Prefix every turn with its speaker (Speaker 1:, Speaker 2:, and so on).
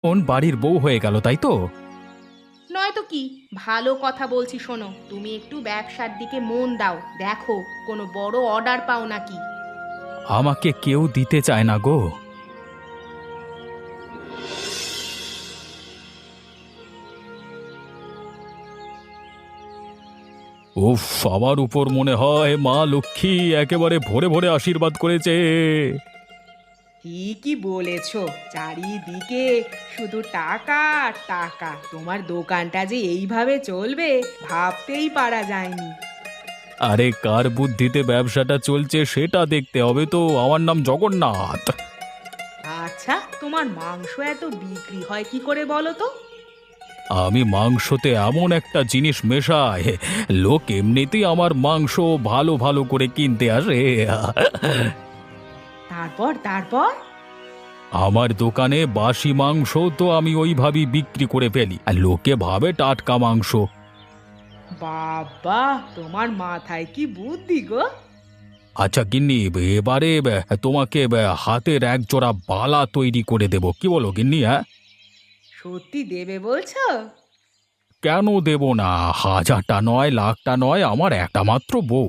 Speaker 1: বাড়ির বউ হয়ে গেল, তাই তো?
Speaker 2: নয়তো কি। ভালো কথা বলছি, শোনো, তুমি একটু ব্যবসার দিকে মন দাও, দেখো কোনো বড় অর্ডার পাও নাকি।
Speaker 1: আমাকে কেউ দিতে চায় না গো। উফ, আমার উপর মনে হয় মা লক্ষ্মী একেবারে ভরে ভরে আশীর্বাদ করেছে।
Speaker 2: ঠিকই বলেছো, চারিদিকে শুধু টাকা আর টাকা। তোমার দোকানটা যে এইভাবে চলবে ভাবতেই পারা যায়নি।
Speaker 1: আরে কার বুদ্ধিতে ব্যবসাটা চলছে সেটা দেখতে হবে তো। আমার নাম জগন্নাথ।
Speaker 2: আচ্ছা, তোমার মাংস এত বিক্রি হয় কি করে বলো তো?
Speaker 1: আমি মাংসতে এমন একটা জিনিস মেশাই, লোক এমনিতেই আমার মাংস ভালো ভালো করে কিনতে আসে।
Speaker 2: তারপর তারপর
Speaker 1: আমার দোকানে বাসি মাংস তো আমি ওইভাবেই বিক্রি করে ফেলি, আর লোকে ভাবে টাটকা মাংস।
Speaker 2: বাবা, তোমার মাথায় কি বুদ্ধি গো!
Speaker 1: আচ্ছা গিন্নি, এবারে তোমাকে হাতের এক জোড়া বালা তৈরি করে দেব, কি বলো গিন্নি? হ্যাঁ,
Speaker 2: সত্যি দেবে বলছো?
Speaker 1: কেন দেব না? হাজারটা নয়, লাখটা নয়, আমার একটা মাত্র বউ।